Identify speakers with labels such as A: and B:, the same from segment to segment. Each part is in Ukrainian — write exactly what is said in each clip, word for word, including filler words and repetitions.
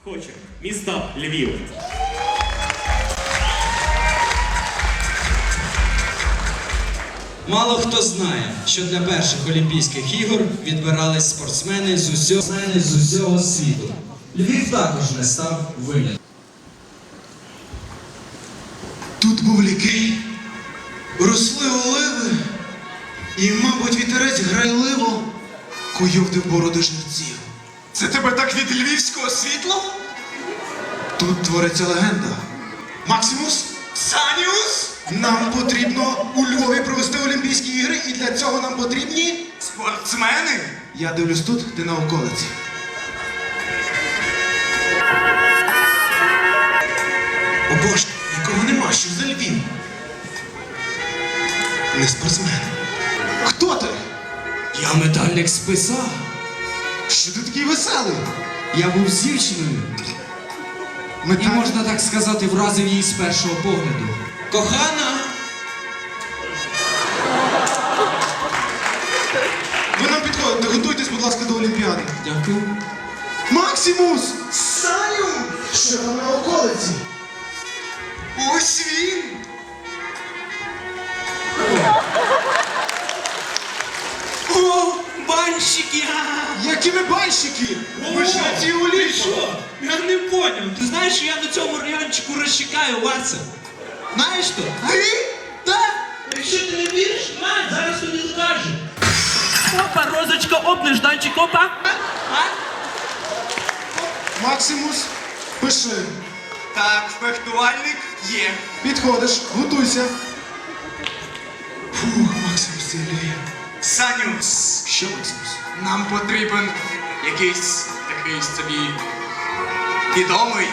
A: Хоче. Місто Львів.
B: Мало хто знає, що для перших Олімпійських ігор відбирались спортсмени з усього, з усього світу. Львів також не став винятком.
C: Тут був лікей, росли оливи, і, мабуть, вітерець грайливо куйовдив бороди жерців.
D: Це тебе так від львівського світла?
C: Тут твориться легенда. Максимус,
D: Саніус?
C: нам потрібно у Львові провести Олімпійські ігри, і для цього нам потрібні...
D: Спортсмени?
C: Я дивлюсь тут, ти на околиці. О Боже, нікого нема, що за Львів? Не спортсмен. Хто ти?
B: Я метальник списа.
C: Що ти такий веселий?
B: Я був з дівчиною. І,
C: Металь...
B: можна так сказати, вразив її з першого погляду. Кохана!
C: Ви нам підходите, готуйтесь, будь ласка, до Олімпіади.
B: Дякую.
C: Максимус! Саню! Що там на околиці?
D: Ось він!
A: О, банщики!
C: Які ви банщики? Ви ж на цій улі!
A: Що? Я не поняв. Ти знаєш, що я на цьому райончику розчекаю, Вася? Знаєш що?
C: Ти? Так?
A: Якщо ти не віриш, на, зараз тобі скажу. Опа, розочка, оп, нежданчик, опа. А?
C: Максимус, пиши.
D: Так, фехтувальник є.
C: Підходиш, готуйся. Фух, Максимус, це Ілля.
D: Саніус,
C: Що, Максимус?
D: нам потрібен якийсь такий собі відомий,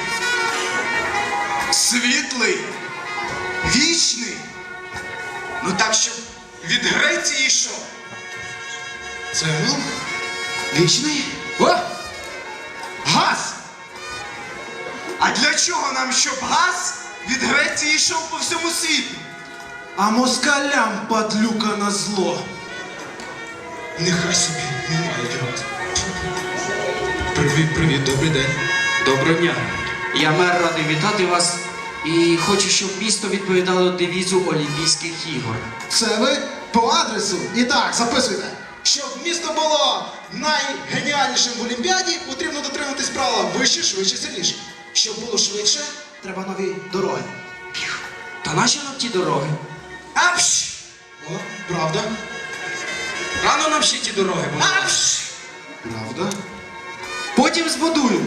D: світлий, вічний. Ну так, щоб від Греції йшов.
C: Це він? Вічний? О! Газ!
D: А для чого нам, щоб газ від Греції йшов по всьому світу?
C: А москалям падлюка на зло. Нехай собі немає газ. Привіт, привіт, добрий день.
E: Доброго дня. Я мер радий вітати вас і хочу, щоб місто відповідало девізу Олімпійських ігор.
C: Це ви по адресу. І так, записуйте. Щоб місто було найгеніальнішим в Олімпіаді, потрібно дотриматись правила вище, швидше, сильніше. Щоб було швидше, треба нові дороги.
E: Та наші нам ті дороги.
C: Апш! О, правда?
E: Рано нам ще ті дороги будуть.
C: Апш! Правда?
E: Потім збудуємо.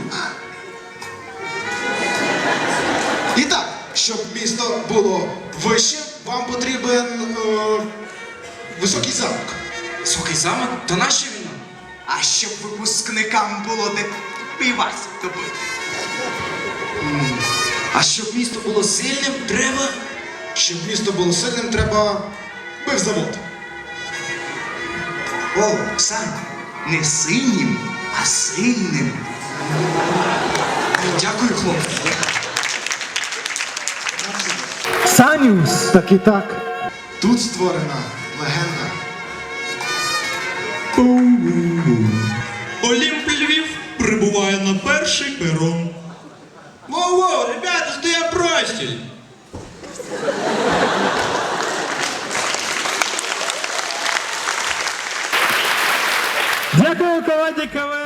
C: І так, щоб місто було вище, вам потрібен е, високий замок.
E: Високий замок? Та нащо він нам?
D: А щоб випускникам було де пивась добити.
E: А щоб місто було сильним, треба...
C: Щоб місто було сильним, треба пивзавод.
D: О, Сань, не синім, а сильним.
E: Дякую, хлопці.
F: Саніус! Так і так.
C: Тут створена легенда.
A: Олімп Львів прибуває на перший перон. Воу-воу, ребята, стоять простіль.
F: Дякую команді КВН.